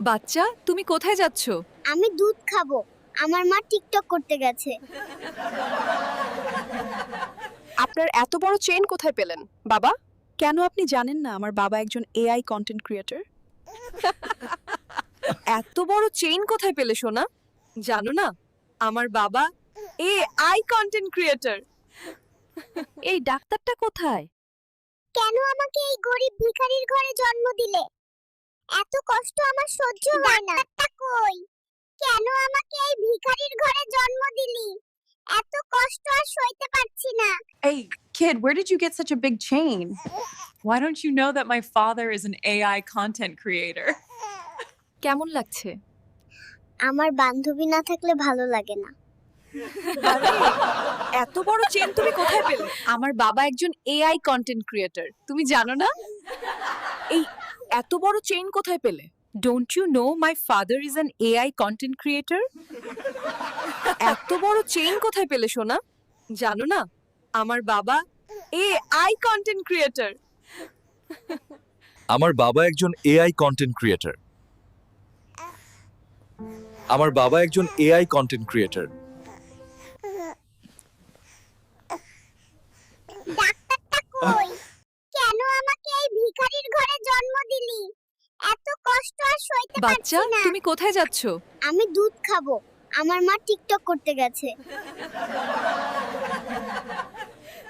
বাচ্চা, তুমি কোথায় যাচ্ছ? আমি দুধ খাবো। আমার মা টিকটক করতে গেছে। আপনার এত বড় চেইন কোথায় পেলেন বাবা? কেন আপনি জানেন না আমার বাবা একজন এআই কন্টেন্ট ক্রিয়েটর? এত বড় চেইন কোথায় পেলে সোনা? জানো না আমার বাবা এআই কন্টেন্ট ক্রিয়েটর। এই ডাক্তারটা কোথায়? কেন আমাকে এই গরিব ভিখারির ঘরে জন্ম দিলে? এত কষ্ট আমার সহ্য হয় না। ডাক্তারটা কই? কেন আমাকে এই ভিখারির ঘরে জন্ম দিলি? এত কষ্ট আর সইতে পারছি না। Hey, kid, where did you get such a big chain? Why don't you know that my father is an AI content creator? কেমন লাগছে? আমার বান্ধবী না থাকলে ভালো লাগে না। এত বড় চেন তুমি কোথায় পেলে? আমার বাবা একজন এআই কন্টেন্ট ক্রিয়েটর, তুমি জানো না? এই এত বড় চেইন কোথায় পেলে? Don't you know my father is an AI content creator? এত বড় চেইন কোথায় পেলে সোনা? জানো না আমার বাবা এআই কন্টেন্ট ক্রিয়েটর। আমার বাবা একজন এআই কন্টেন্ট ক্রিয়েটর। আমার বাবা একজন এআই কন্টেন্ট ক্রিয়েটর। ডাক্তারটা কই? কেন আমাকে এই ভিখারির ঘরে জন্ম দিলি? এত কষ্ট আর সইতে বাচ্চা, পারছি না। তুমি কোথায় যাচ্ছ? আমি দুধ খাবো। আমার মা টিকটক করতে গেছে।